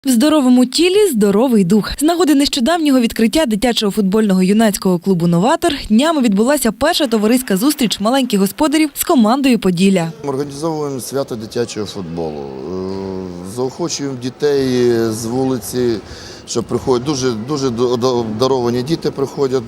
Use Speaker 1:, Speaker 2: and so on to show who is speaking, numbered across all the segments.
Speaker 1: В здоровому тілі – здоровий дух. З нагоди нещодавнього відкриття дитячого футбольного юнацького клубу «Новатор» днями відбулася перша товариська зустріч маленьких господарів з командою «Поділля».
Speaker 2: Ми організовуємо свято дитячого футболу. Заохочуємо дітей з вулиці, що приходять. Дуже обдаровані діти приходять.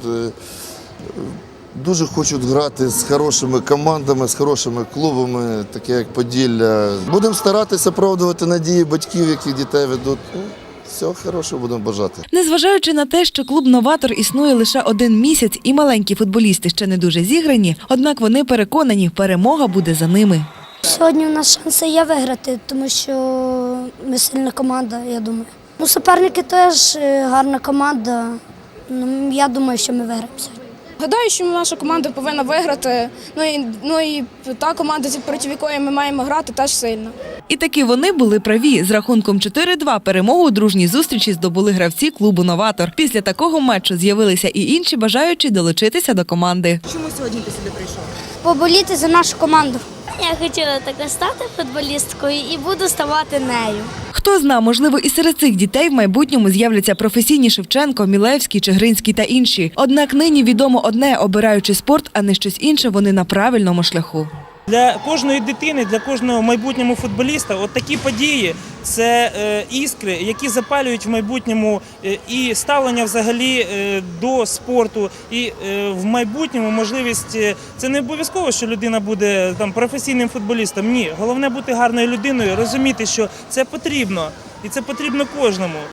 Speaker 2: Дуже хочуть грати з хорошими командами, з хорошими клубами, такі як Поділля. Будемо старатися оправдувати надії батьків, які дітей ведуть. Всього хорошого будемо бажати.
Speaker 1: Незважаючи на те, що клуб «Новатор» існує лише 1 місяць і маленькі футболісти ще не дуже зіграні, однак вони переконані, перемога буде за ними.
Speaker 3: Сьогодні у нас шанси є виграти, тому що ми сильна команда, я думаю. Суперники теж гарна команда. Я думаю, що ми виграємо сьогодні.
Speaker 4: Гадаю, що наша команда повинна виграти. Ну і та команда, проти якої ми маємо грати, теж сильна.
Speaker 1: І таки вони були праві. З рахунком 4-2 перемогу у дружній зустрічі здобули гравці клубу «Новатор». Після такого матчу з'явилися і інші бажаючі долучитися до команди.
Speaker 5: Чому сьогодні ти сюди прийшов?
Speaker 3: Поболіти за нашу команду.
Speaker 6: Я хотіла також стати футболісткою і буду ставати нею.
Speaker 1: Хто зна, можливо, і серед цих дітей в майбутньому з'являться професійні Шевченко, Мілевський, Чигиринський та інші. Однак нині відомо одне – обираючи спорт, а не щось інше, вони на правильному шляху.
Speaker 7: Для кожної дитини, для кожного майбутнього футболіста от такі події – це іскри, які запалюють в майбутньому і ставлення взагалі до спорту, і в майбутньому можливість – це не обов'язково, що людина буде професійним футболістом. Ні, головне бути гарною людиною, розуміти, що це потрібно, і це потрібно кожному.